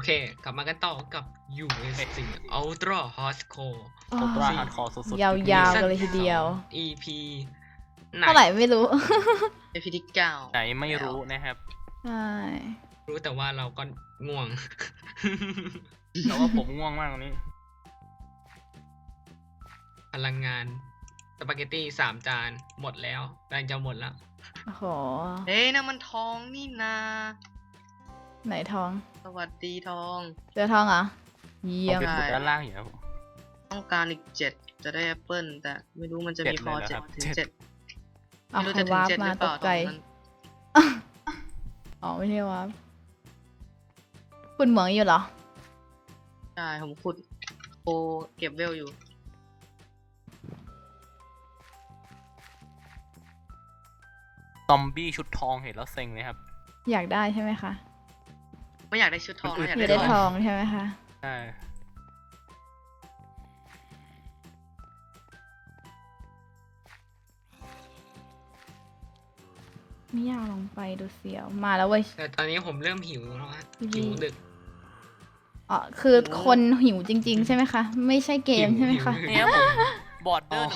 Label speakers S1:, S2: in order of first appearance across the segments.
S1: เคกลับมากันต่อกับ USC Ultra Hardcore
S2: ผมว่าฮาร์ดคอร์สุดๆ
S3: ยาวๆกันเลยทีเดียว
S1: EP
S3: เท่าไหร่ไม่รู้
S4: EP ที่เก้า
S2: ไหนไม่รู้นะครับ
S3: ใช่
S1: รู้แต่ว่าเราก็ง่วง
S2: แต่ว่าผมง่วงมากตอนนี้
S1: พลังงานสปาเกตตี้3 จานหมดแล้วกำลังจะหมดแล้ว
S3: โอ้โห
S4: เฮ้ยนั่นมันทองนี่นา
S3: ไหนทอง
S4: สวัสดีทอง
S3: เจอทองเหรอ เยี่
S2: ผม
S3: ยม
S2: ไปขุดด้านล่างอยู่ครับผม
S4: ต้องการอีก7จะได้แอปเปิลแต่ไม่รู้มันจะมีพอ
S2: 7เลยเหรอครับ
S4: 7 ถึง 7
S3: เอา
S4: ไม่รู้
S3: ใคร
S4: จะถึง
S3: วาร์ป
S4: 7 ห
S3: มา
S4: รือเป
S3: ต
S4: ล่าก
S3: ใจ
S4: ตอนนั้น
S3: อ๋อไม่ใช่วาร์ปคุณเหมืองอยู่เหรอ
S4: ใช่ผมขุดโอเก็บเวลอยู่
S2: ซอมบี้ชุดทองเห็นแล้วเซ็งเลยครับ
S3: อยากได้ใช่ไหมคะ
S4: ไม่อยากได้ชุดทองนะอยาก
S3: อยาก
S4: ได้
S3: ได้
S4: ท
S3: ท
S4: อ
S3: อง งใช่ไหมคะ
S2: ใช่
S3: ไม่อยากลงไปดูเสียว มาแล้วเว้ย
S1: แต่ตอนนี้ผมเริ่มหิวแล้วฮะ
S3: อืม
S1: หิวดึก
S3: อ๋อคือคนหิวจริง ๆ ใช่ไหมคะ ไม่ใช่เกมใช่ไหมคะ
S1: หิว
S2: นี่ครับผมบอร์ดเดอร์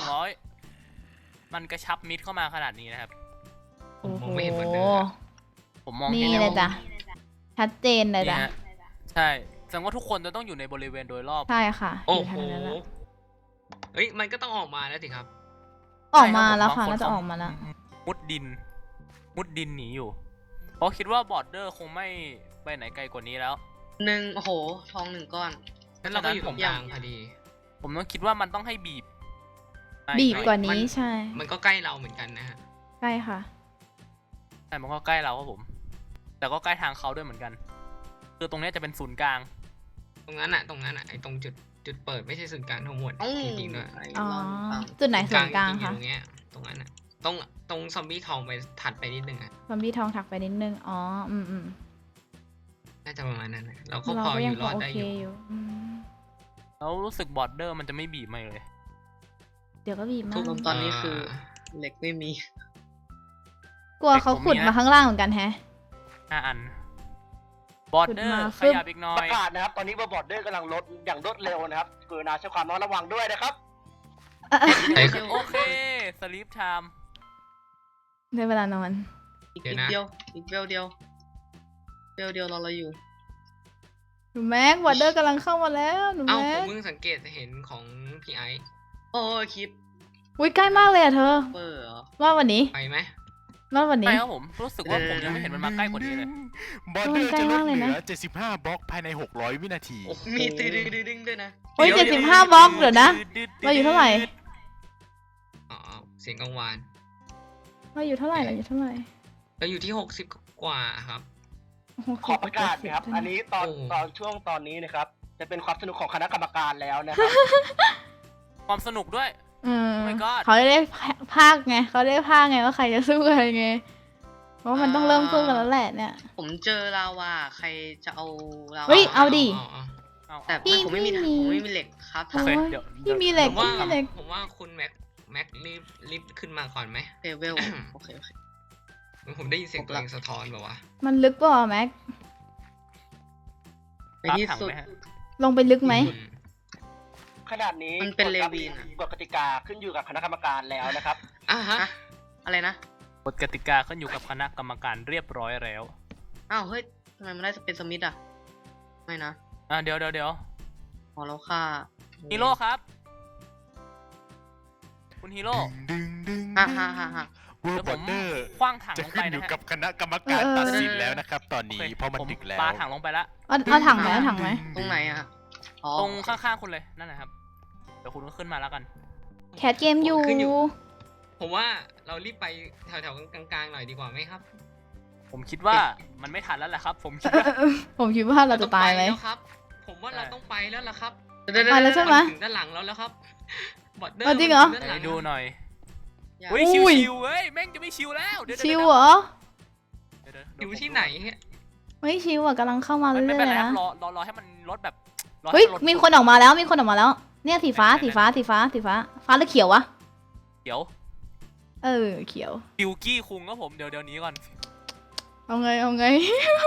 S2: 100มันกระชับมิดเข้ามาขนาดนี้นะครับ
S1: ผม
S3: โอ้
S1: ม
S3: โห
S1: องไม่เห็นเหมือนเดิม
S2: ผมมอง
S3: นี่
S2: เห็น
S3: เล
S2: แล้ว
S3: ยจ้ะ ชัดเจนเลย
S2: นี่
S3: จ้ะ
S2: ฮะใช่แสดงว่าทุกคนจะต้องอยู่ในบริเวณโดยรอบ
S3: ใช่ค่ะ
S1: โอ้
S3: ยู่
S1: โห
S3: ทางนั้นแหละ
S1: เฮ้ยมันก็ต้องออกมาแล้วสิครับ
S3: ออกมาแล้วค่ะ
S2: บง
S3: น่าจะออกมาแล้ว
S2: มุดดิน มุดดินหนีอยู่ เพราะคิดว่าบอร์ดเดอร์คงไม่ไปไหนไกลกว่านี้แล้ว
S4: โอ้โหทอง1 ก้อน
S1: แล้วเราก็อยู่ตรงกลางพอดี
S2: ผมต้องคิดว่ามันต้องให้บีบ
S3: บีบกว่า
S1: มั
S3: นี้
S1: น
S3: ใช่
S1: มันก็ใกล้เราเหมือนกันนะฮะ
S3: ใช่ค่ะ
S2: ใช่มันก็ใกล้เราครับผม แต่ก็ใกล้ทางเขาด้วยเหมือนกัน คือตรงเนี้ยจะเป็นศูนย์กลาง
S1: ตรงนั้นอะไอตรงจุดเปิดไม่ใช่ศูนย์กลางทั้งหมด
S4: อืม
S1: จริงๆด้วย
S4: ไอ้
S3: อ๋อ
S4: ร้อนฟัง
S3: จุดไหนส่วนกลาง
S1: จริๆอ
S3: คะ
S1: ยู่ตรงเนี้ยตรงนั้นอะตรงซอมบี้ทองไปถัดไปนิดนึงอะ
S3: ซอมบี้ทองถักไปนิดนึง อ๋อ อืม
S1: น่าจะประมาณนั้นนะเราก็
S3: เรา
S1: พอ
S3: ก็
S1: อ
S3: ยัง
S1: ยู่
S3: พ
S1: ร
S3: อ
S1: อด
S3: โอ
S1: ได้
S3: เค
S1: อยู่
S3: อยู่ม
S2: แล้วรู้สึกบอร์ดเดอร์มันจะไม่บีบมาเลย
S3: เดี๋ยวก็บีบมา
S4: ทุ
S3: ก
S4: กตอนนี้คือเหล็กไม่มี
S3: กลัวเขาขุดมาข้างล่างเหมือนกันแฮะ
S2: 5 อัน บอร์ดเดอ
S3: ขุด
S2: ร์
S3: มา
S2: ขยับอีกหน่อ
S5: ป
S2: ย
S5: ระกาศนะครับ ตอนนี้บอร์ดเดอร์กำลังลดอย่างรวดเร็วนะครับกรุณาใช้ความระวังด้วยนะครับ
S1: ไอ้
S2: โอเค สลีปไทม์
S3: ได้เวลานอน
S4: อีก
S1: เดี๋ยว
S4: นิด
S1: นะ
S4: เดียวอีกเวลเดียวเวลเดียวเราอยู่
S3: หนูแม็กวอเดอร์กำลังเข้ามาแล้ว หนู
S1: เอ้าผ
S3: แม็
S1: ม
S3: ก
S1: เพิ่งสังเกตเห็นของพี่ไอซ์
S4: โอ้ยคลิป
S3: อุ้ยใกล้มากเลยอะเธอ
S4: เปอร์เหรอ
S3: รอดวันนี้
S1: ไปไหม
S3: รอดวัน
S2: ใช่
S3: นี้
S2: ครับผม รู้สึกว่าผมยังไม่เห็นมันมาใกล้กว่านี้เลย
S6: บอร์เดอร์
S3: ใกล้
S6: จะล
S3: มา
S6: ด
S3: กเลย
S6: เห
S3: นะ
S6: ลือ 75 บล็อกภายใน 600 วินาที
S1: โอ้โห
S4: มีตีดึงดึงด้วยนะ
S3: โอ้ย
S1: เดี๋ยว
S3: 75 บล็อกเดี๋ยวนะ เราอยู่เท่าไหร่
S1: อ๋อเสียงกังวาน
S3: เราอยู่เท่าไหร่เราอยู่เท่าไหร่
S1: เราอยู่ที่60 กว่าครับ
S3: โโห
S5: ขอประกาศนะครับ
S3: 70
S5: อันนี้ตอน
S1: โอ้
S5: ช่วงตอนนี้นะครับ จะเป็นความสนุกของคณะกรรมการแล้วนะครับ
S2: ความสนุกด้วย
S3: อืม
S2: Oh my god
S3: เขาได้ภาคไงเขาได้ภาคไงว่าใครจะสู้อะไรไง เพราะว่ามันต้องเริ่มสู้กันแล้วแหละเนี่ย
S4: ผมเจอลาวาใครจะเอาลาวา
S3: เฮ้ย เอาดิ
S2: เอา
S4: แต่
S3: พี่
S4: ผมไม่มี
S3: พี่มี
S4: ผมไม่มีเหล็กครับ
S2: โอเค
S3: โอ้ย
S2: เดี๋ยว
S3: พี่มีเหล็ก
S1: ผมว่า
S3: พี่มีเหล็ก
S1: ผมว่าคุณแม็กรีบขึ้นมาก่อนไหม
S4: เทเวลโอเค
S1: ผมได้ยินเสียงตัวเองสะท้อนแบบว่า
S3: มันลึกเปล่าวะแม็ก
S4: ในที่สุด
S2: รับถังไหมฮะ
S3: ลงไปลึกไหม
S5: ขนาดนี้
S4: มันเป็นเลวีนอะ
S5: กฎกติกาขึ้นอยู่กับคณะกรรมการแล้วนะครับ
S1: อ่ะฮะ
S4: ฮะอะไรนะ
S2: กฎกติกาขึ้นอยู่กับคณะกรรมการเรียบร้อยแล้ว
S4: อ้าวเฮ้ยทำไมมันได้เป็นสมิธอ่ะไม่นะ
S2: เดี๋ยว
S4: พอเราฆ่า
S2: ฮีโร่ครับ คุณฮีโร่
S6: ดึงดึง
S4: ฮ่า
S6: ดึง
S4: ฮ่าฮ่าฮ่า
S6: เวอ
S2: เดี๋
S6: ร์
S2: ยว
S6: บ
S2: ผ
S6: อ
S2: ม
S6: ร์เดอร์
S2: คว้างถัง
S6: จะ
S2: ลง
S6: ขึ้
S2: ไป
S6: นอ
S2: นะ
S6: ยู่
S2: ฮะ
S6: กับคณะกรรมการ
S3: เออ
S6: ตัดสินแล้วนะครับ ตอนนี้
S2: โอค
S6: เพราะมัน
S2: ผม
S6: ดึกแล้ว
S2: ปาถังลงไปแล้ว
S3: เอาถังไหมเอาถังไหม
S4: ตรงไหนอ่ะอ๋อ
S2: ตรงข้างๆคุณเลย นั่นแหละครับ เดี๋ยวคุณก็ขึ้นมาแล้วกัน
S3: แคทเกมอยู่
S1: ขึ้นอยู่ ผมว่าเรารีบไปแถวๆกลางๆหน่อยดีกว่าไหมครับ
S2: ผมคิดว่ามันไม่ทันแล้วแหละครับ ผมคิดว่า
S3: ผมคิดว่าเราจะตายไหม
S1: เรต้องปแล้วครับ ผมว่าเราต้องไปแล้วล่ะครับ
S3: ไปแล้วใช่ไหม
S1: ถึงด้านหลังแล้วครับบอดเดอร์
S3: เอาจริงเหรอ
S1: ด้าน
S2: ไห
S1: ห
S2: น
S1: ลัง
S2: ดูหน่อย
S4: อย่า
S2: เฮ้ย
S3: อุ้ย
S2: ชิวๆเฮ้ยแม่งจะไม่ชิวแล้วเดี๋ยว
S3: ชิวเหรอ
S1: อยู่ที่ไหนฮะ
S3: ไม่ชิวอ่ะกำลังเข้ามาเรื่
S2: ไม่
S3: อย
S2: เป็น
S3: ๆ
S2: ไรครั
S3: นะ
S2: บรอให้มันลดแบบรอให้
S3: เฮ้ย
S2: นลด
S3: มีคนออกมาแล้วมีคนออกมาแล้ว เนี่ยสีฟ้าสีฟ้าสีฟ้าสีฟ้าฟ้าหรือเขียววะ
S2: เดี๋ยว
S3: เออเขียว
S2: ฟิวกี้คุงครับผมเดี๋ยวนี้ก่อน
S3: เอาไงเอาไง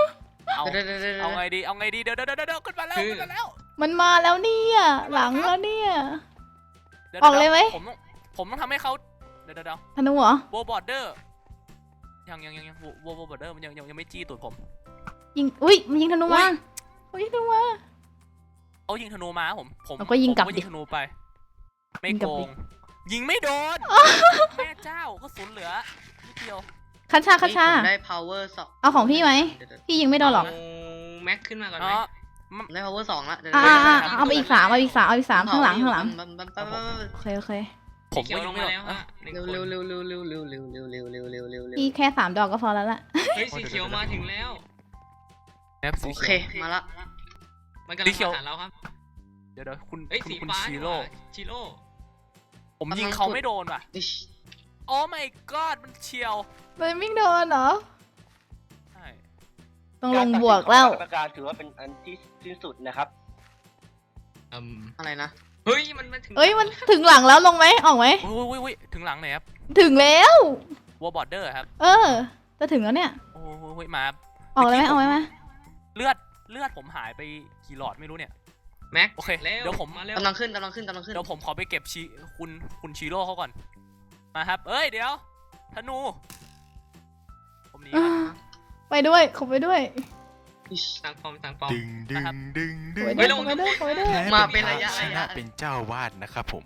S2: เอา
S4: เดี๋ยวเดี๋ยวเดี๋ยว
S2: เอาไงดีเอาไงดีเดี๋ยวขึ้นมาแล้วขึ้นมาแล้ว
S3: มันมาแล้วเนี่ยหลังแล้วเนี่ย
S2: ดี๋ว
S3: ออกเลยไหม
S2: ผมต้องทำให้เขาเดี๋ยว
S3: ธนูเหรอ
S2: โบบอร์เดอร์ยังโบบอร์เดอร์มันยังไม่จี้ตูดผม
S3: ยิงอุ้ยมันยิงธนูมาเขายิงธนูมา
S2: เขายิงธนูมาผม
S3: เราก็ยิงกลับ
S2: ผม
S3: ดิ
S2: ยิงธนูไป ไม่
S3: ยิงกลั
S2: โก
S3: บดิ
S2: ง ยิงไม่โดนแม่เจ้าก็สูญเหลือนิดเดียว
S3: คัชชา
S4: ผมได้ power 2
S3: เอาของพี่ไหม
S4: เดี๋ยว
S3: พี่ยิงไม่โดนหรอก
S1: เอาแม็กขึ้นมาก่อนไหม
S2: เนาะ
S4: ผมได้ power 2ละเดี๋ยว
S3: เอาไปอีก3เอาอีก3เอาอีก3ข้างหลังโอเคโอเค
S2: ผม
S1: เขียว
S2: ก็
S1: ล
S2: ยิ
S1: ง
S2: งไม่
S1: มา
S2: โดน
S1: แล้วฮะหนึ่ง
S4: เร็ว
S1: คน
S4: เร็วเร็วเร็วเร็วเร็วเร็วเร็วเร็วเร็วเร็วเร็วเร็ว
S3: พี่แค่3 ดอกก็พอแล้วล่ะ
S1: เฮ้ยสีเขียวมาถึงแล้ว
S2: แอปสี
S4: โอ
S2: เขี
S4: เค
S2: ยว
S4: มาละ
S1: มันกำลัง
S2: สีเขียว
S1: มาหาเราครับ
S2: เดี๋ยวคุณ
S1: เอ้ยสี
S2: คุณ
S1: ฟ้า
S2: ชิ
S1: นี่ห
S2: โร่
S1: ว่าชิโร่
S2: ผมยิงเขาไม่โดนว่ะ
S4: อิ๊ช
S2: โอ้ my god มันเฉียว
S3: มันไม่โดนเหรอ
S2: ใช่
S3: ต้องลงบวกแล้ว
S5: การตัดสินของคณะกรรมการถือว่าเป็นอันที่สิ้นสุดนะครับ
S4: อะไรนะ
S1: เฮ้ยมันมาถึง
S3: เอ้ยมันถึงหลังแล้วลงไหมออกไหม
S2: อุ้ยถึงหลังไหนครับ
S3: ถึงแล้ว
S2: วอลบอร์เดอร์ครับ
S3: เออ จะถึงแล้วเนี่ย
S2: โอ้ยมา
S3: ออกเลยไหมออกไหม
S2: เลือดผมหายไปกี่หลอดไม่รู้เนี่ย
S1: แม็ก
S2: โอเค
S1: เร็ว
S2: เดี๋ยวผม
S1: มาเร็ว
S4: กำลังขึ้น
S2: เดี๋ยวผมขอไปเก็บคุณชิโร่เขาก่อน มาครับ เอ้ยเดี๋ยวธนู ผมหนีก่อน
S3: ไปด้วยขอไปด้วย
S4: อิ๊ช
S1: สั่งปอมสั่งปอม
S6: ดึง
S2: นะครับ
S3: ขอไปด้วยขอไปด้วยขอไปด้วย
S6: แพ้
S4: มาเป็นระยะ
S6: ชนะเป็นเจ้าวาดนะครับผม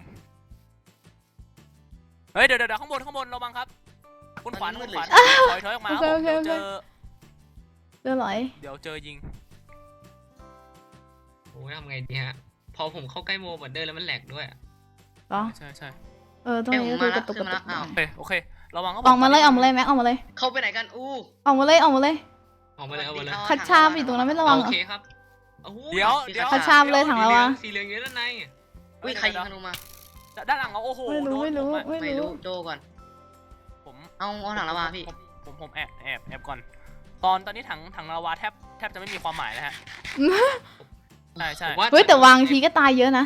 S2: เฮ้ยเดี๋ยวข้างบนระวังครับ คุณขวัญถอยออกมาครับผมเดี๋ยวเจอ
S3: เจอหรอ
S2: เดี๋ยวเจอยิง
S1: โอ้ยทำไงดีฮะ พอผมเข้าใกล้โมบันเดอร์แล้วมันแหลกด้วยอะ
S3: เหรอ
S2: ใช่
S3: ตรงนี้ก็คือกระตุกกระตุก
S2: โอเคระวังครับ
S3: ออกมาเลยออกมาเลยแม็กออกมาเลย
S4: เข้าไปไหนกันอู้
S3: ออกมาเลยออกมาเลย
S1: ออกมาเลยเอามาเลย
S3: คัดชามอยู่ตรงนั้นไม่ระวัง
S1: โอ
S3: เหรอ
S1: เคครับโอ้โห
S2: เดี๋ยว
S3: คัดชามเลยถังละวะ
S1: สีเหลืองอยู่ด้านใน
S4: อุ้ยใครยิงธนูมา
S2: ด้านหลังเราโอ้โห
S3: ไม่รู้ไม่รู้
S2: โดนผมอะ
S3: ไม่
S4: ไม่
S3: รู้
S4: รู้โดก่อน
S2: ผม
S4: เอาถังละวาพี่
S2: ผมแอบก่อน ตอนนี้ถังลาวาแทบจะไม่มีความหมายแล้วฮะ ใช่
S1: ผมว่า
S3: เฮ้ยแต่วางทีก็ตายเยอะนะ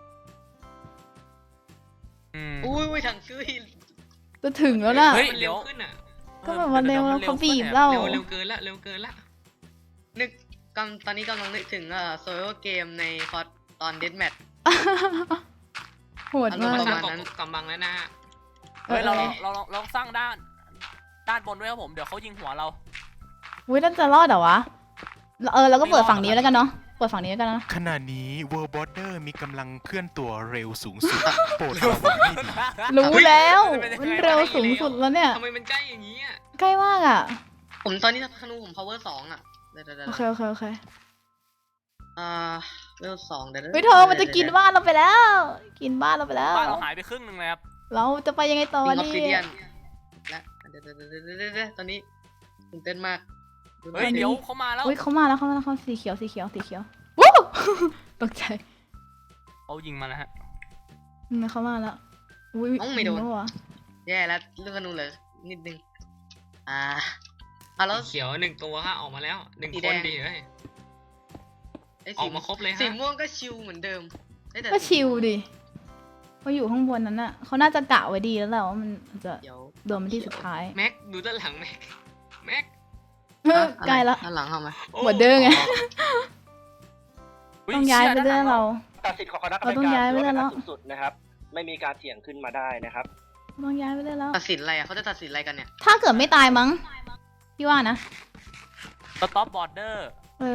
S4: อุ้ยถังชื่อ
S3: จะถึงแล้วน่ะ
S2: เฮ้ย
S1: มันเร็วขึ้นอ่ะ
S3: ก็แบบมันเร็วเขาบีบเรา
S1: เร็วเกินละเร็วเกินละ
S4: นึกตอนนี้กำลังนึกถึงโซโล่เกมในคอร์ตอนเดดแมท
S3: โหด
S1: มั
S3: มาน ก
S1: สร้าง
S4: ประมาณนั้น
S1: กำบังแล้วนะฮะ
S2: เฮ้ยเราสร้างด้านบนด้วยครับผมเดี๋ยวเขายิงหัวเรา
S3: อุ้ยนั่นจะรอดเหรอวะเราก็เปิดฝั่งนี้แล้วกันเนาะเปิดฝั่งนี้แล้วกันนะ
S6: ขณะนี้ World Border มีกำลังเคลื่อนตัวเร็วสูงสุด โปรดระวังให้ดี
S3: รู้แล้วมันเร็วสูงสุดแล้วเนี่ย
S1: ทำไมมันใกล้อย่างนี้อ่ะ
S3: ใกล้มากอ่ะ
S4: ผมตอนนี้ธนูผม power 2 อ่ะเดี๋ยว
S3: โอเคโอเคโอเค
S4: เวล2เดี๋ยว
S3: เฮ้ยเธอมันจะกินบ้านเราไปแล้ว กินบ้านเราไปแล้ว
S2: บ้านเราหายไปครึ่งหนึ่งเลยครับ
S3: เราจะไปยังไงต่อ
S4: ออฟ
S3: นี่
S4: ซิเดียนและเดี๋ยวตอนนี้ตื่นเต้นมาก
S2: เฮ้ยเดี๋ยวเขามาแล้ว
S3: อุ้ยเขามาแล้วเขาสีเขียววู้ ตกใจ
S2: เขายิงมาแล้วฮะ
S3: เขามาแล้วอุ้ย
S4: ไม่โดน
S3: วะ
S4: แย่แล้วเรื่องธนูเลยนิดนึงแล้ว
S1: เขียวหนึ่งตัวฮะออกมาแล้วหนึ่ง
S4: สี
S1: ค
S4: แด
S1: น
S4: ง
S1: ดีเฮ้ย
S4: ไอ้
S1: ออกมาครบเลยฮะ
S4: สีม่วงก็ชิลเหมือนเดิมแต่
S3: ก็ชิลดิเขาอยู่ข้างบนนั้นน่ะเขาน่าจะกะไว้ดีแล้วแหละว่ามันจะ
S4: เดี๋ยว
S3: โดนมันที่สุดท้าย
S1: แม็กดูด้านหลังแม็ก
S3: ใกล้แล้ว
S4: ด้านหลังเข้ามา
S1: โอ้
S3: หมดเด้อไง
S2: อุ๊
S3: ต้องย้ายไปเรื่อยเรา
S5: ตัดสินของคณะกรรม
S3: เราต้อง
S5: การ
S3: ย้าย
S5: ถือ
S3: ไป
S5: ว่า
S3: แล้
S5: เป็น
S3: ว
S5: อันสุดนะครับ ไม่มีการเถียงขึ้นมาได้นะครับ
S3: ต้องย้ายไปเรื่อยแล้ว
S4: ตัดสินอะไรเขาจะตัดสินอะไรกันเนี่ย
S3: ถ้าเกิดไม่ตายมั้งพี่ว่านะ
S2: สต็อปบอร์เดอร์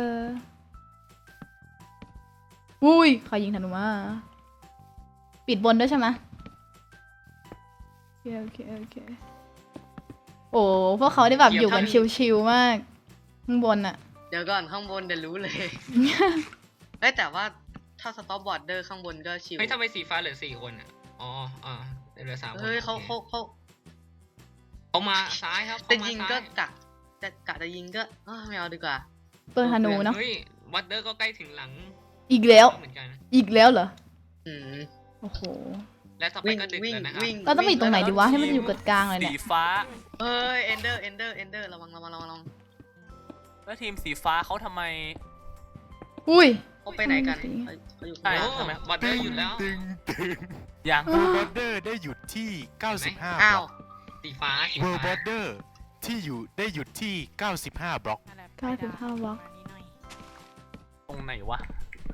S3: อุ้ยใครยิงธนูมาปิดบนด้วยใช่ไหมโอเคโอ้พวกเขาได้แบบอยู่กันชิลๆมากข้างบนอะ
S4: เดี๋ยวก่อนข้างบนเดี๋ยวรู้เลยแต่ว่าถ้าสต็อปบอร์ดเดอร์ข้างบนก็ชิล
S1: เฮ้ยทำไมสีฟ้าเหลือ4 คนอ่ะอ๋อเหลือ3 คน
S4: เฮ้ยเขา
S1: เขามาซ้ายครับ
S4: จะ
S1: เขามา
S4: ยิง
S1: ซ้า
S4: ก็จะยิงก็ไม่เอาดีกว่า
S3: เปิดธนูเนาะ
S1: เฮ้ยวัดเดอร์ก็ใกล้ถึงหลัง
S3: อีกแล้ว
S1: เหมือนกัน
S3: อีกแล้วเหรอ
S4: อืม
S3: โอ้โห
S1: และต่อไปก็ดึกแล้วนะครับ
S3: เราต้องไปอยู่ตรงไหนดีวะให้มันอยู่กดกลางเลย
S2: สี
S3: เนี่ย
S2: ฟ้า
S4: เฮ้ยเอนเดอร์ระวัง
S2: แล้วทีมสีฟ้าเขาทำไม
S3: อุ้ย
S4: เขาไปไหนกันเขาอยู่
S2: ใช่
S1: โอ้
S2: ทำไม
S1: วัดเดอร์หยุดแล้ว
S6: ดึง
S2: ยัง
S6: World Border ได้หยุดที่ 95 บ
S4: อ้า
S6: ล็
S4: ว
S6: อก
S1: สีฟ้า
S6: World Border ที่ได้หยุดที่ 95 บล็อก
S2: นั่นแหละ
S3: 95 บล็อก
S2: ตรงไหนวะ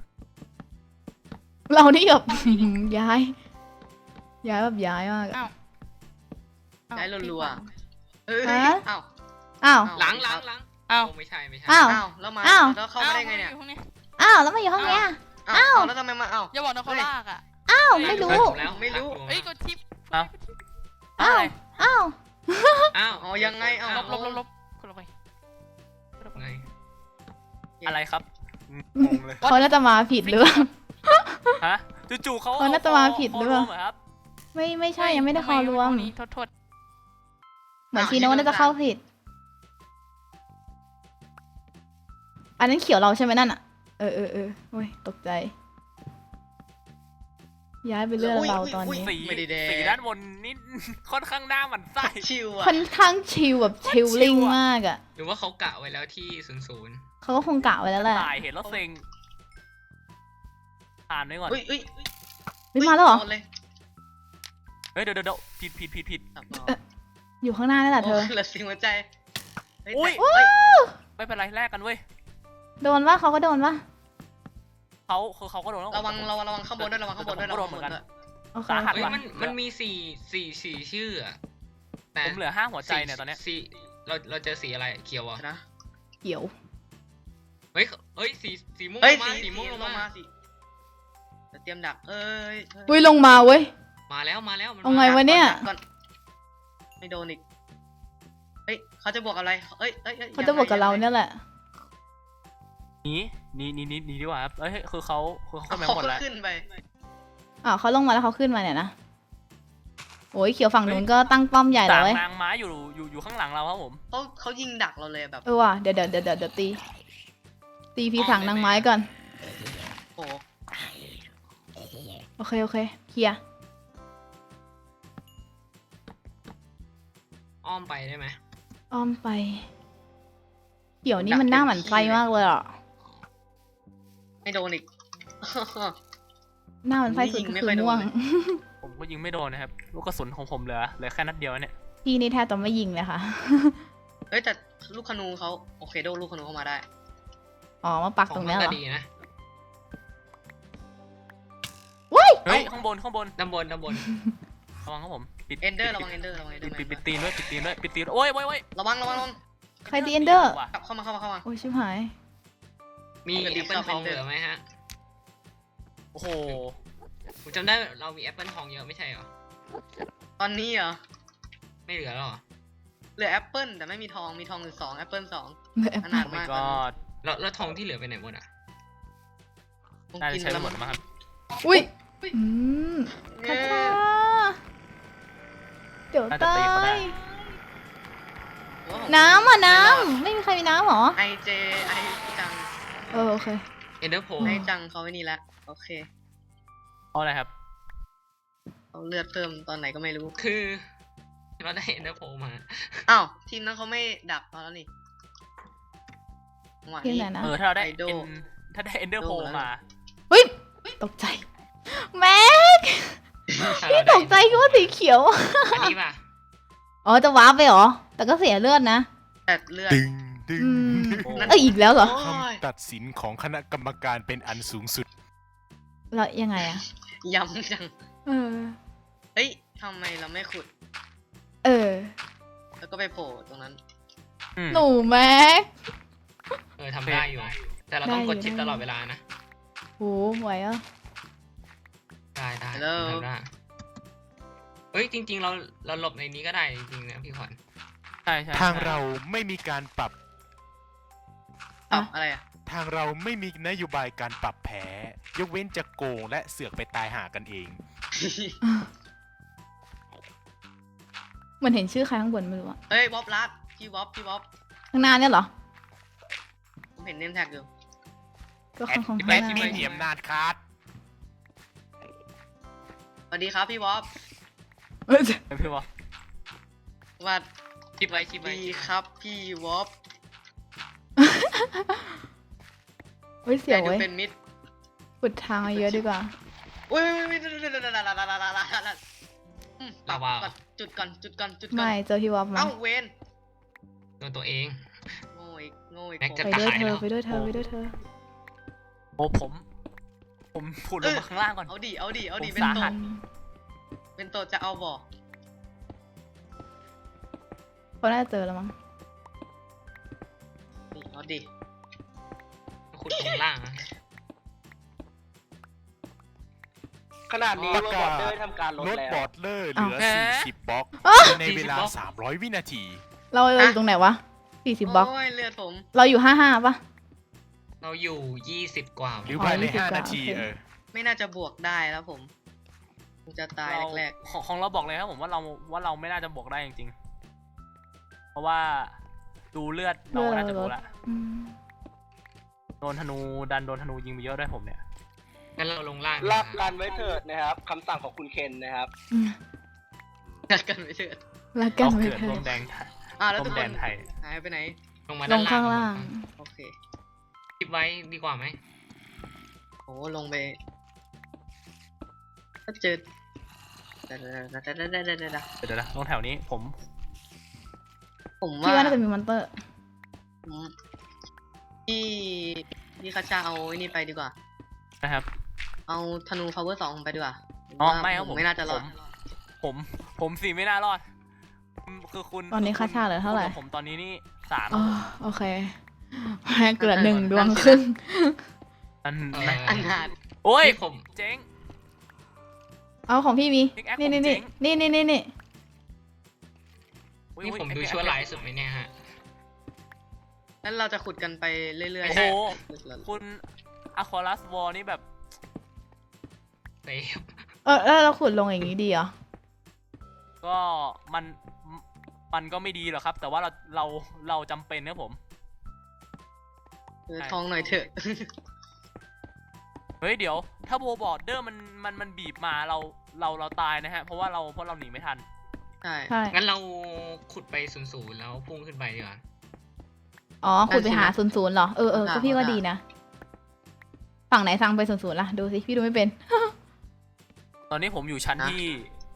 S3: เรานี่แบบ ย้ายแบบย้ายมากอะ
S7: อ้าว
S4: ได้รัวๆเอ้ย
S3: ฮะ
S4: อ้าว
S3: อ้าว
S1: หลัง
S7: อ้าว
S1: โไม่ใช่ไม่ใช่
S3: อ้าว
S4: อ้าวแล้วมา
S3: อ้าว
S4: แล้วเข้ามาได้ไงเนี่ย
S7: อ้าวอยู่ห้องนี้
S3: อ้าวแล้วมาอยู่ห้องเนี้ย
S4: อ้าวแล้วทำไมมาอ้าว
S7: อย่าบอกนะเขาลากอ่ะ
S3: อ้าวไม่รู้
S1: ถูกแล้ว
S4: ไม่รู้
S1: ถูก
S7: เอ้ย
S1: แล้ว
S7: กดทิป
S2: อ้าว
S3: อ้าว
S2: อะไร
S3: อ้าว
S1: อ้าว
S4: อ๋อยังไงอ้าว
S7: ลบคนลงไป
S1: ไง
S2: อะไรครับ
S6: งงเลย
S3: เขาน่าจะมาผิดหรือเปล่า
S2: ฮะจู่ๆเขา
S3: เขาน่าจะมาผิดหรือเปล่า
S2: คครับ
S3: ไม่ใช่ยังไม่ได้คอรวม
S7: ห้องนี้โทษ
S3: เหมือนชีโน่น่าจะเข้าผิด อันนั้นเขียวเราใช่ไหมนั่นอ่ะ เออโอ้ยตกใจ ย้ายไปเรื่องเราตอนนี้
S2: สี
S4: ไม่ได้แดง
S2: สีด้านบนนี่ ค่อนข้างหน้าหมันไส้
S4: ชิวอ่ะ
S3: ค่อนข้างชิลแบบชิลลิ่งมากอ่ะ
S1: หรือว่าเขากะไว้แล้วที่00
S3: เขาก็คงกะไว้แล้วแหละ
S2: ตายเห็นแล้วเซ็งอ่านไว้ก่อน
S4: อุ้ย
S3: เฮ้ยมาแล้วเหรอ
S4: โดนเลย
S2: เฮ้ยเดี๋ยวผิด
S4: ครับ
S3: อยู่ข้างหน้านี่แหละเธอ
S4: โเหลือสิ่งหัวใจเฮ้
S2: อุ้ย
S4: แต่เฮ้ย
S2: ไม่เป็นไรแลกกันเว้ย
S3: โดนปะเขาก็โดนปะ
S2: เขาก็โดนแล้ว
S4: ระวังข้างบนด้วยระวังข้างบนด้วย
S2: ผมก็โดนเหมือนกัน
S3: โอเค
S2: สาหัส
S1: เฮ้ย
S2: ว่ะ
S1: มันมีสี่ชื่ออะแต่
S2: ผมเหลือ5หัวใจเนี่ยตอนเนี้ย
S1: สีเราเจอสีอะไรเขียวอ่ะ
S4: นะ
S3: เขียว
S1: เฮ้ยสีม่วง
S4: เฮ้ย
S1: ลงมา
S4: สี
S1: สีม่วงลงมา
S4: สิเตรียมดักเอ้ย
S3: อุ้ยลงมาเว้ย
S1: มาแล้วมัน
S3: เอาไงวะเนี่ย
S4: ก่อนไม่โดนอีกเฮ้ยเขาจะบวกอะไรเอ้ย
S3: เขาจะบอกกับเราเนี่ยแหละ
S2: หนีดีกว่าครับเอ้ยคือเขาขึ้นไป
S4: เขา
S2: หมดแล้ว
S4: ขึ้นไป
S3: อ้าวเขาลงมาแล้วเขาขึ้นมาเนี่ยนะ โอ้ยเขียวฝั่งนู้นก็ตั้งป้อมใหญ่เล
S2: ต่าย ง
S3: เว้ย
S2: นางไม้อยู่ข้างหลังเราครับผม
S4: เขายิงดักเราเลยแบบ
S3: เออว่ะเดี๋ยวตีพี่ถังนางไม้ก่อน
S4: โอ้โห
S3: โอเคเคลียร์
S1: อ้อมไปได้ไหม
S3: อ้อมไป เขียวนี่มันหน้าหมันไส้มากเลยอ่ะ
S4: ไม่โดนอีก
S3: หน้าหมันไส้สุดก็คือม่วง
S2: ผมก็ยิงไม่โดนนะครับลูกกระสุนของผมเหลือแค่นัดเดียวเนี่ย
S3: พี่นี่แทบจะไม่ยิงเลยค่ะ
S4: เฮ้ยแต่ลูกขนูเขาโอเคโดนลูกขนูเข้ามาได้
S3: อ๋อมาปัก
S1: ขอ
S3: ตรง ง
S1: มั
S3: เนี้ยเหร
S1: ก็
S3: อ
S1: ดีนะ
S2: เฮ้ยข้างบน
S1: ด้านบน
S2: ระวังครับผมปิด
S4: เอนเดอร์ระวังเอนเดอร์ระวังเอนเดอร์
S2: ปิดตีนด้วยโอ้ย
S4: ระวัง
S3: ใครตีเอนเดอร์
S2: ว่ะ
S4: กลับเข้ามา
S3: โอ้ยชิบหาย
S1: มี
S4: ปกติ
S1: แอปเปิล
S4: ชอบ
S1: ทอง
S4: เป็น
S1: เหลือไหมฮะ
S2: โอ้โห
S1: ผมจำได้เรามีแอปเปิลทองเยอะไม่ใช่เหรอ
S4: ตอนนี้เหรอ
S1: ไม่เหลือหรอ
S4: เหลือแอปเปิลแต่ไม่มีทองมีทองอยู่2แอปเปิล2
S3: เหลือ
S4: ขนาด
S2: ไม่
S4: มาก
S2: ก็
S1: แล้วทองที่เหลือไปไหนหมดอ่ะ
S2: น่าจะใช้ไปหมดมั้งครับ
S3: อุ้ยคา
S4: เย้
S3: ถาเดี๋ยว
S2: น่าจะ
S3: ตา
S2: ตีเขาได้
S3: ยน้ำอ่ะน้ำไม่มีใครมีน้ำหรอ
S4: ไอเจไอจัง
S3: โอเค
S1: เอ็นเดอร์โพ
S4: ไอจังเขาไว้นี่ละโอเค
S2: เพราะอะไรครับ
S4: เขาเลือดเพิ่มตอนไหนก็ไม่รู้
S1: คือเราได้เอ็นเดอร์โพมา
S4: อ้าวทีมนั้นเขาไม่ดักเราแล้วนี่จังหวะ
S3: ทีม
S4: นี้
S3: ไหนนะ
S2: ถ้าเราได้
S4: ไอโด
S2: ถ้าได้เอนเดอร์โพ
S4: โดแล้ว
S2: มา
S3: เฮ้ยตกใจแม็ก
S1: ถ้า
S3: พี่
S1: เรา
S3: ต
S1: ได้
S3: กใจคิดว่าสีเขียว
S1: อันนี้ป่ะ
S3: อ๋อจะว้าร์ปไปเหรอ แต่ก็เสียเลือดนะ
S4: แต่เลือด
S6: ดึง
S3: อืม
S2: โอ้
S3: เอ้ยอีกแล้วเหรอ
S4: โอ้ย
S6: คำตัดสินของคณะกรรมการเป็นอันสูงสุด
S3: แล้วยังไงอะ
S4: ย้ำจัง
S3: เออ
S4: เฮ้ยทำไมเราไม่ขุด
S3: เออ
S4: แล้วก็ไปโผล่ตรงนั้น
S2: อืม
S3: หนูแม็ก
S1: ทำได้อยู่ แต่เราต้องกดชิป
S3: ได้อยู่
S1: ตลอดเวลานะ
S3: โหไหวอ่ะ
S1: ได้
S4: Hello
S1: ทำได้เฮ้ยจริง ๆ เราหลบในนี้ก็ได้จริงๆนะพี่ขวัญ
S2: ใช่
S6: ทางเราไม่มีการปรับ
S4: อ้าวอะไรอ่ะ
S6: ทางเราไม่มีนโยบายการปรับแพ้ ยกเว้นจะโกงและเสือกไปตายหากันเอง
S3: เหมือนเห็นชื่อใครข้างบนไม่รู้อะ
S4: เฮ้ยบ๊อบลัดพี่บ๊อบ
S3: ข้างหน้าเนี่ยเหรอ
S4: ผมเห็นเนมแท็กอยู่
S3: ก็ข้างข้าง
S6: แอ
S3: ห
S6: ด
S3: น้า
S6: มินมีอำนาจคัด
S4: สวัสดีครับพี่บ๊อบ
S3: เอ้ย
S2: พี่วะ
S4: สวัส
S1: ชิปไว้ชิปไว้
S4: ดีครับพี่บ๊อบ
S3: เฮ้ยเสียว
S4: ดู
S3: เว้ย
S4: เป็นมิตร
S3: ปุดทางมาเยอะดีกว่า
S4: อุ้ยจุดก่อน
S3: ไม่เจอพี่วอฟมา
S4: เอ้าเวน
S1: โดนตัวเอง
S4: โง่อีกอีก
S1: แม็ก
S4: ผม
S1: จะ
S3: ไป
S1: ตา
S3: ด้วย
S1: ย
S3: เธ
S1: แล้
S3: อ
S1: ว
S3: ไปด้วยเธอไปด้วยเธอ
S2: โอ้ผมผุดลงมาข้างล่างก่อน
S4: เอาดิเอาดิเอาดิ
S2: ผม
S4: เป็น
S2: สา
S4: โต
S2: หัส
S4: เป็นโตจะเอาบ่อ
S3: เขาน่าจะเจอแล้วมั้ง
S4: นี่เอาดิ
S1: ขุดลงล่างนะ
S5: ขนาดนี้
S6: ประ
S5: ว่า
S6: กาศ
S5: บอร์เดอร์ทำการลด
S6: ลด
S5: แล้ว
S6: บอร์ดเลอร์เหลือ 40 บล็อกในเวลา 300 วินาที
S3: เราอยู่ตรงไหนวะ40 บล็อก
S4: โอ้ยเลือดผม
S3: เราอยู่55ป่ะ
S1: เราอยู่20 กว่า
S6: หรือภายใน
S3: 20
S6: 5 นาที
S3: โอเค
S4: ไม่น่าจะบวกได้แล้วผมผมจะตาย
S2: เรา
S4: แรก
S2: ของเราบอกเลยครับผมว่าเราไม่น่าจะบวกได้จริงๆ เพราะว่าดูเลือดเราก็น่าจะบวกละ
S3: อืม
S2: โดนธนูโดนธนูยิงไปเยอะด้วยผมเนี่ย
S1: งั้นเราลงล่าง
S5: รับกันไว้เถิดนะครับคำสั่งของคุณเคนนะครับ
S4: ๆนัดกันไปเถอะ
S3: รักกัน
S2: เรา
S3: ไม่
S2: เกิด
S3: เธ
S2: ร่
S3: อ
S2: วมแดงไทย
S4: แล้ว
S2: ร่
S4: ทุ
S2: ว
S4: ก
S2: ม
S4: ค
S2: แด
S4: น
S2: นไทย
S4: หายไปไหน
S1: ลงมา
S3: ล
S1: ด้าน
S3: ง
S1: ล่าง
S3: ข้างล่าง
S4: โอเค
S1: คิดไว้ดีกว่าไหม
S4: โอ้ลงไปก็เจอเดี๋ยว
S2: เดี๋ยวนะตรงแถวนี้ผม
S4: ผม
S3: คิด
S4: ว่า
S3: ว่าน่าจะมีมอนเตอร์
S4: ผมที่คาชาเอาไอ้นี่ไปดีกว่า
S2: นะครับ
S4: เอาธนู power 2ไปดีกว่า
S2: อ๋อ
S4: ว่า
S2: ไม่ครับผม
S4: ไม่น่าจะรอด
S2: ผมสิไม่น่ารอดคือคุณ
S3: ตอนนี้ค่าชาเหลือเท่าไหร่
S2: คุณกับผมตอนนี้นี่3
S3: อ๋อโอเคแพ้เกลือ1 ดวงครึ่ง
S2: อัน
S4: อันนาด
S2: โอ้ย
S1: นี่ผม
S2: เจ๊ง
S3: เอาของพี่มี
S2: Pickaxe
S3: นี่
S2: ผม
S3: นี่
S2: เจ๋
S3: นี่
S2: ง
S3: นี่
S2: อุ๊ย
S1: นี่
S2: อุ๊ย
S1: ผมดู
S2: ไอ้
S1: ชั่วร้ายสุดไหมเนี่ยฮะ
S4: แล้วเราจะขุดกันไปเรื่อย
S2: โอ้
S4: ๆ
S2: โห
S4: แล้ว
S2: คุณอะควาลัสวอลนี่แบบ
S1: เซฟ
S3: แล้วเราขุดลงอย่างนี้ดีเหรอ
S2: ก็มันก็ไม่ดีหรอกครับ แต่ว่าเราจำเป็นนะผม
S4: ทองหน่อยเถอะ
S2: เฮ้ยเดี๋ยว ถ้าโบบอร์ดเดอร์มันบีบมาเราตายนะฮะ เพราะเราหนีไม่ทัน
S4: ใช่
S3: ใช่
S1: งั้นเราขุดไป0-0แล้วพุ่งขึ้นไปดีกว่า
S3: อ๋อขุดไปหา00เหรอ ก็พี่ว่าดีนะ ฝั่งไหนสั่งไป00ล่ะ ดูสิ พี่ดูไม่เป็น
S2: ตอนนี้ผมอยู่ชั้นที่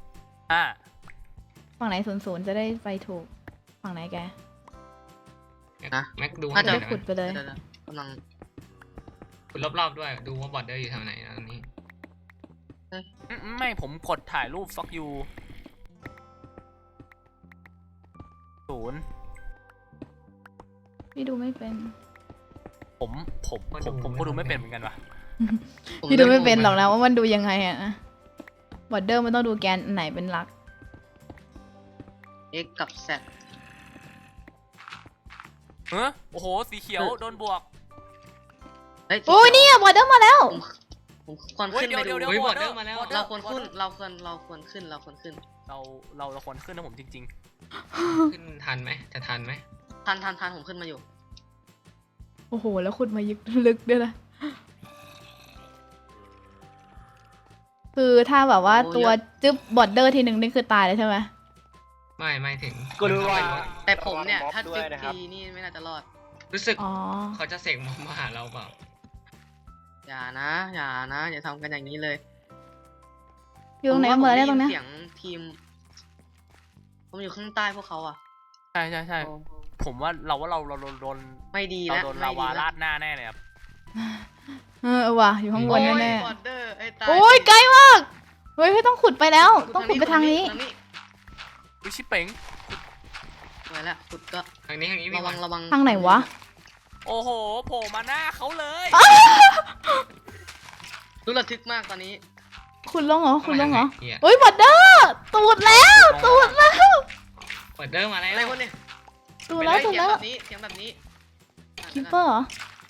S2: 5
S3: ฝั่งไหน00จะได้ไปถูก ฝั่งไหนแก
S1: แม็กดู
S4: น่าจะ
S1: ให้หน่อย
S3: ขุดไปเลย
S4: ดี๋วกำลัง
S1: ขุดรอบๆด้วย ดูว่าบอร์ดเดอร์อยู่แถวไหนนะตรงนี้
S2: ไม่ผมกดถ่ายรูป fuck you 0
S3: พี่ดูไม่เป็น
S2: ผมก็ดูไม่เป็นเหมือนกันว่ะ
S3: พี่ดูไม่เป็นหรอกนะว่ามันดูยังไงอะนะบอร์เดอร์มันต้องดูแกนไหนเป็นหลัก
S4: X กับ Z
S2: โอ้โห สีเขียวโดนบวก
S4: เฮ้ย
S3: โอ้ยเนี่ยบอร์เดอร์มาแล้ว
S4: ผมควรขึ้นไปดู
S2: เดี๋ยว
S1: เฮ้ย
S2: border
S1: border มาแล้ว
S2: border
S4: เราควรขึ้น
S2: border
S4: เราควรขึ้น
S2: เราควรขึ้นนะผมจริง
S1: ขึ้นทันไหมจะทันไหม
S4: ทันผมขึ้นมาอยู่
S3: โอ้โห แล้วขุดมาลึกด้วยนะคือถ้าแบบว่า
S4: โอ้
S3: ตัว
S4: เยอะ
S3: จึ๊บบอร์เดอร์ทีหนึ่งนี่คือตายเลยใช่ไหม
S1: ไม่ถึง
S5: ก็รู้ว่า
S4: แต่ผมเนี่ย
S5: ระวังม็อบ
S4: ถ้า
S5: ด้ว
S4: จึ๊
S5: ย
S4: ก
S5: นะครับ
S4: ทีนี่ไม่น่าจะรอด
S1: รู้สึก
S3: อ๋อ
S1: เขาจะเสกมาหาเราเปล่า
S4: อย่าอย่าทำกันอย่างนี้เลย
S3: อยู่ตรงไหนกันหมดแล้วเนี่ยตรงเนี้ย
S4: เสียงทีม ผมอยู่ข้างใต้พวกเขาอ่ะ
S2: ๆ ใช่ ผมว่าเราโดน
S4: ไม่ดี
S2: เรา
S4: แล้ว
S2: โดน
S4: ไม่
S2: ลา
S4: ดี
S2: วา
S4: แล้
S2: ราว ดหน้าแน่เลยครับ
S3: ว่ะอยู่ข้างบนแน่
S4: บอร์เดอร์ไอ้ตาย
S3: ๆโอ้ยไกลมากเฮ้ยต้องขุดไปแล้ว ต้องขุดไปทางนี้
S2: วิชิเป๋ง
S4: ไว้แล้วขุดก็
S1: ทางนี้
S4: ระ
S1: พี่
S4: วังระวัง
S3: ทางไหนวะ
S2: โอ้โหโผล่มาหน้าเขาเลย
S4: รู้ระทึกมากตอนนี้
S3: ขุดลงเหรอขุดลงเหรอ
S1: เฮีย
S3: เฮ้ยบอร์เดอร์ตูดแล้วตูดแล้ว
S1: บอร์ดเดอร์มาแล้ว
S4: อะไรวะเนี่ย
S3: ตูดแล้ว
S4: เสี
S3: ตู
S4: ย
S3: ด
S4: ง
S3: แล้ว
S4: แบบนี้เสียงแบบนี้
S3: คิปเปอร์เหรอ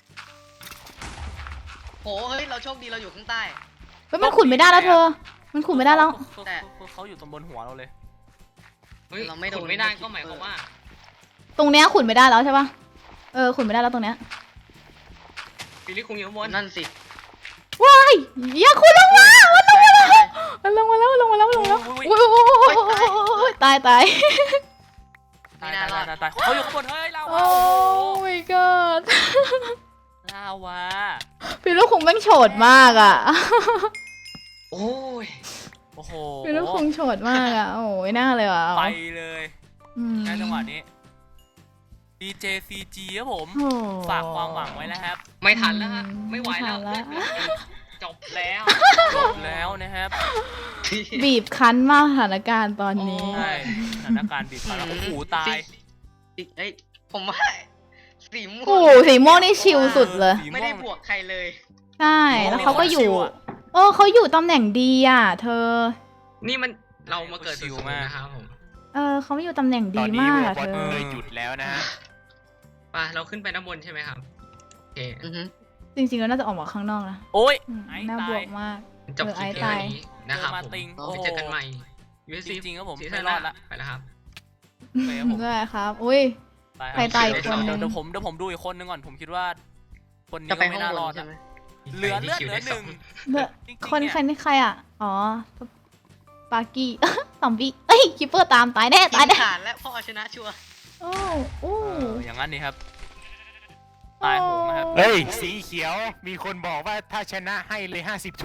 S4: โหเฮ้ยเราโชคดีเราอยู่ข้างใต้
S3: เฮ้ยมันขุดไม่ได้แล้วเธอ มันขุดไม่ได้แล้ว
S4: แต่
S2: เขาอยู่ตรงบนหัวเราเลย
S1: เฮ้ย
S4: เราไม่โดน
S1: ขุดไม่ได้ก็หมายความว่า
S3: ตรงเนี้ยขุดไม่ได้แล้วใช่ปะขุดไม่ได้แล้วตรงเนี้ย
S1: ฟิลลี่คุงอยู่ข้างบน
S4: นั่นสิ
S3: ว้ายอย่าขุดลงมา
S4: ใช่ใช่
S3: มันลงมาแล้วลงมาแล้วลงมาแล้ว
S2: อุ๊ย
S3: โอ้ยตาย
S4: ไม่น่ารอด
S2: ตายเขาอยู่ข้างบนเฮ้ยลา
S3: โอ้
S2: วา
S3: my god
S2: ลาวา
S3: พี่ลูกคงแม่งโฉดมากอ่ะ
S1: โอ้ย
S2: โอ้โห
S3: พี่ลูกคงโฉดมากอ่ะ โอ้ยน่าเลยว่ะ
S2: ไปเลย
S3: อืม
S2: ในจังหวะนี้ DJCG ครับผม
S3: โอ้
S2: ฝากความหวังไว้นะครับ
S1: ไม่ทันแล้วฮะ ไม่ไหวแล้ว
S3: ไม่ทันแล้ว
S1: จบแล้ว
S2: จบแล้วนะครับ
S3: บีบคั้นมากสถานการณ์ตอนนี้
S2: ใช่สถานการณ์บีบคั้นแล้วโอ้โหตาย
S4: เอ้ยผมว่าสีม่ว
S3: โอ้
S4: ง
S3: โหสีม่วงนี่ชิลสุดเลย
S2: สี
S4: ไม่
S2: ม่ว
S4: ได้
S2: ง
S4: บวกใครเลย
S3: ใช่ แล้วเขาก็อยู่
S2: ชิลอะ
S3: เขาอยู่ตำแหน่งดีอ่ะ เธอ
S1: นี่มันเรามาเกิด
S2: ชิ
S1: ศู
S2: ล
S1: นย์
S2: มาก
S1: นะครับผม
S3: เขาอยู่ตำแหน่ง
S6: ต
S3: ดี
S6: อนนี้
S3: มาก
S6: วอ
S3: อะ
S6: ล
S3: เธ
S6: บอ
S3: อ
S6: ลเลยหยุดแล้วนะฮะ
S1: ไปเราขึ้นไปด้านบนใช่ไหมครับ โอเค
S4: อือฮึ
S3: จริงๆแล้วน่าจะออกมาข้างนอกนะ
S2: โอ้ย
S3: อืม
S2: ไอ้
S3: น่า
S2: ตา
S3: บวย กมาก
S1: จบคลิป
S3: ไอ้
S1: เพียง
S3: ตาย
S1: เท่านี้นะครับ
S2: เจอมา
S1: ผม
S2: ติง
S1: ไปเจอกันใหม่ USC
S2: จริงๆครับผม
S1: ซี
S2: ไม่
S1: ซั่น
S2: ร
S1: ห
S2: อ
S1: น้า
S2: ดละ
S1: ไปแล้วครับ
S2: ไปครับผม
S3: ได้ครับ อุ้ย
S2: ไปครับ
S3: ใครตายอีกคนนึง
S2: เดี๋ยวผมดูอีกคนนึงก่อนผมคิดว่า คนนี้
S4: จะ
S2: ก็
S4: ไป
S2: ไม่
S4: ห้อง
S2: น่า
S4: บ
S2: รอน ด
S4: ใช่
S2: อะ
S4: ไหม
S2: เหลือเลือดเหลือหนึ่ง
S3: เลือด
S2: จริงๆ
S3: คน
S2: เนี่ย
S3: ใครนี่ใครอ่ะ อ๋อ ปากี้ ซอมบี้เอ้ยคิปเปอร์ตามตายแน่
S4: กิ
S3: ตาย
S4: น
S3: แน่
S4: ขาดและพ่อชนะชัวร์
S3: โอ้โอ้
S2: อย่างนั้นนี่ครับ ตายโหงนะครับ
S6: เฮ้ย สีเขียว มีคนบอกว่าถ้าชนะให้เลย 50 ทู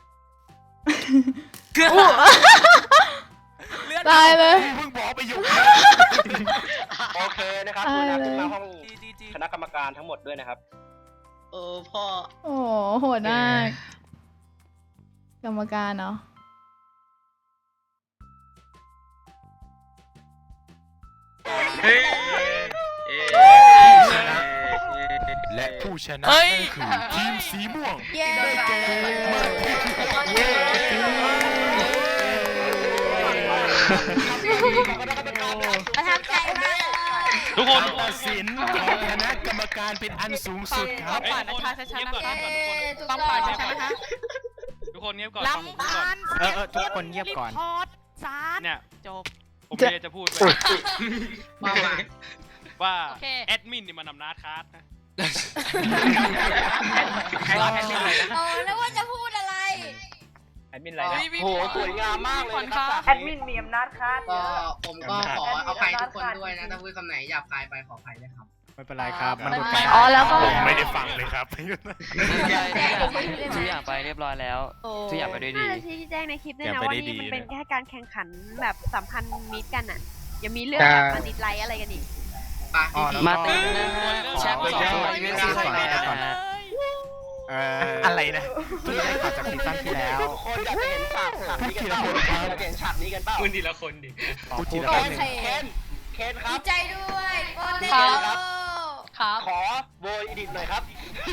S2: เลือด
S3: ตายเลย
S6: เพิ่งบอกไปอยู่
S5: โอเคนะครับกรุณาขึ้นมาห้อง
S2: จี
S5: คณะกรรมการทั้งหมดด้วยนะครับ
S4: พ่อ
S3: โอ้โหดมากกรรมการเนาะ
S1: เฮ้ย
S6: และผู้ชนะ
S2: เฮ้ย
S6: นั่นคือทีมสีม่วง
S3: เย้
S6: ได้แก่มาเย้
S3: ประทับใจมาก
S8: ทุกคน
S6: การตัดสินของคณะกรรมการเป็นอันสูงสุดครับ
S7: ป่านนะคะชัดๆนะคะ
S8: ทุก
S7: ต้องป่านชัดๆนะคะ
S8: คนเงียบก่อนฟังผมพูดก่อน
S6: ทุกคนเงียบก่อน
S7: รีพอร์ตสาร
S8: เนี่ย
S7: จบ
S8: ผมมีอะไรจะพูดด้วย
S1: มามา
S8: ว่า
S7: โอเค
S8: แอดมินนี่มันนำนาคาร์ดนะ
S1: ใครรอแอดมินเลยนะ
S3: แล้วว่าจะพูดอะไร
S5: แอดมินอะไรนะโหสวยงามมากเลยนะครับ
S7: แอดมิน
S4: ก็ผมก็ขออภัยทุกคนด้วยนะถ้าพูดคำไหนหยาบคายไปขออภัยด้วยครับ
S6: ไม่เป็นไรครับ มัน
S3: ไม่
S6: ดู
S3: เป็นไร
S6: การ
S3: อ๋อแล้วก็
S6: ผมไม่ได้ฟังเลยครับ
S9: ทุกอย่างไปเรียบร้อยแล้วทุกอย่างไปด้วยดี
S10: น่าจะชี้แจ้งในคลิปด้วย
S6: อย่า
S10: นะ
S6: ไป
S10: ว่า
S6: ได้
S10: นี่มัน
S6: ดี
S10: เป็น
S6: นะ
S10: แค่การแข่งขันแบบสัมพันธ์มิตรกันอ่ะ อย่ามีเรื่องแบบมาดิดไลค์อะไรกันอีก
S9: มาติงนะฮะแชมป์สองตัว
S8: เออ
S9: USC ของเรานะฮะ
S6: อะไรนะ
S5: ที่ได้ข่าวจากซีซั่นที่แล้วทุกคนอยากจะเห็นฉากนี้กันเปล่าอยากจะเห็นฉากนี้กันเปล่า
S1: คุณทีละคนดิ
S6: พูดทีละ
S5: โอ
S6: คน
S5: เคเคนครับ
S3: ใจด้วยโอ้เ
S5: ครับ
S7: ครับ
S5: ขอโบยอีดิทหน่อยครับ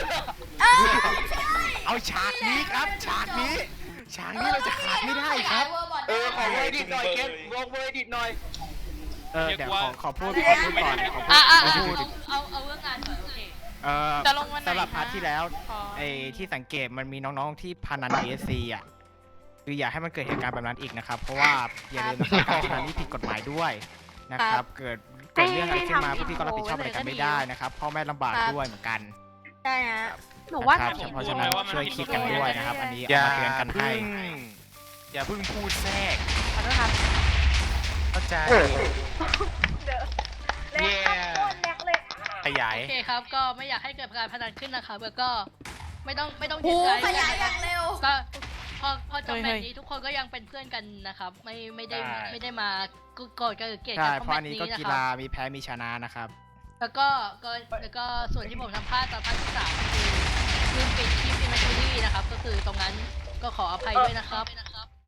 S6: เอาฉากนี้ครับ ฉากนี้เราจะขาดไม่ได้ครับ
S5: ขอโบยอีดิทหน่อยเคนโบยอีดิทหน่อย
S8: เดี๋ยวขอพูด
S7: เอาเรื่องงานก่อนโอเคจะลงวันไหน
S9: สำหรับพาร์ทที่แล้ว
S7: ขอ
S9: ไอ้ที่สังเกตมันมีน้องๆที่พนัน ESC อ่ะคืออย่าให้มันเกิดเหตุการณ์แบบนั้นอีกนะครับ เพราะว่าอย่าลืมนะครับการพนันนี่ผิดกฎหมายด้วยนะครับ เกิดเรื่องอะไรขึ้นมาพวกพี่ก็รับผิดชอบอะไรกันไม่ได้นะครับพ่อแม่ลำบากด้วยเหมือนกัน
S10: ใช่ฮะ หนูว่า
S9: นะครับ
S10: ถ้า
S9: เพราะฉะนั้นช่วยคิดกันด้วยนะครับ อันนี้
S6: อย่า
S9: เอามาเตือนกันให้
S6: อย่าเพิ่งพูดแทรก
S10: ขอโทษครับ
S6: เข้าใจ
S10: แรกครับโคตรแรกเลย
S6: ขยาย
S7: โอเคครับ ก็ไม่อยากให้เกิดการพนันขึ้นนะครับแล้วก็ไม่ต้อง
S3: หู
S7: เสียใจ
S3: ขยายอย่างเร็ว
S7: ก็พอจบแบบนี้ทุกคนก็ยังเป็นเพื่อนกันนะครับ ไม่ได้มาโกรธกันหรือเกลียด
S9: ใช่
S7: กัน
S9: เพ
S7: เพ
S9: ราะ
S7: ราะ
S9: อั
S7: แบ
S9: น
S7: บ
S9: นี้
S7: นี้
S9: ก็
S7: นะ
S9: กี
S7: ค
S9: ฬา
S7: รับ
S9: มีแพ้มีชนะนะครับ
S7: แล้วก็ส่วนที่ผมทำพลาดตอนพาร์ทที่3คือลืมปิดคลิปอินเวนทอรี่นะครับ ก็คือตรงนั้นก็ขออภัยด้วยนะครับ